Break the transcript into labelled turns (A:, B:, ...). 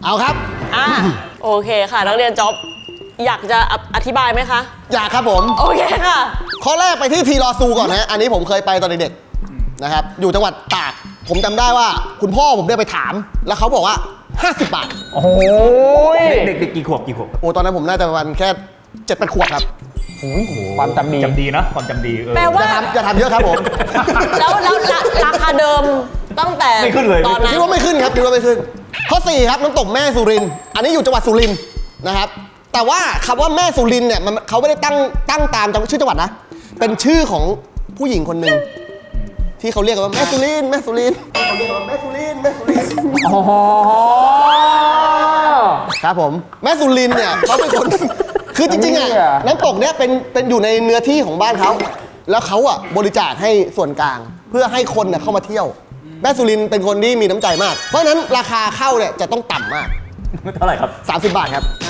A: เอาครับ
B: โอเคค่ะนักเรียนจ๊อบอยากจะอธิบายไหมคะ
A: อยากครับผม
B: โอเคค่ะ
A: ข้อแรกไปที่ทีรอซูก่อนนะอันนี้ผมเคยไปตอนเด็กๆนะครับอยู่จังหวัดตากผมจำได้ว่าคุณพ่อผมได้ไปถามแล้วเขาบอกว่า50 บาท
C: โอ้โหเด็กกี่ขวบ
A: โอ้ตอนนั้นผมน่าจะประมาณแค่7-8 ขวบครับ
C: ความจำดีนะความจำดี
B: แปลว่า
A: อย่าทำเยอะครับผม
B: แล้วราคาเดิมตั้งแต่
C: ไม่ขึ้นเลย
B: ตอนนั้น
A: คิดว่าไม่ขึ้นครับคิดว่าไม่ขึ้นข้อ4ครับน้ำตกแม่สุรินทร์อันนี้อยู่จังหวัดสุรินทร์นะครับแต่ว่าคำว่าแม่สุรินทร์เนี่ยเขาไม่ได้ตั้งตามชื่อจังหวัดนะเป็นชื่อของผู้หญิงคนหนึ่งที่เขาเรียกว่าแม่สุรินทร์เขาเรียกว่าแม่สุรินทร์
C: อ๋อ
A: ครับผมแม่สุรินทร์เนี่ยเขาเป็นคนคือจริงๆอ่ะน้ำตกเนี้ยเป็นอยู่ในเนื้อที่ของบ้านเขาแล้วเขาอ่ะบริจาคให้ส่วนกลางเพื่อให้คนเข้ามาเที่ยวแม่สุรินทร์เป็นคนที่มีน้ำใจมากเพราะฉะนั้นราคาเข้าเนี่ยจะต้องต่ำมาก
C: เท่าไหร่ครับ
A: 30 บาทครับ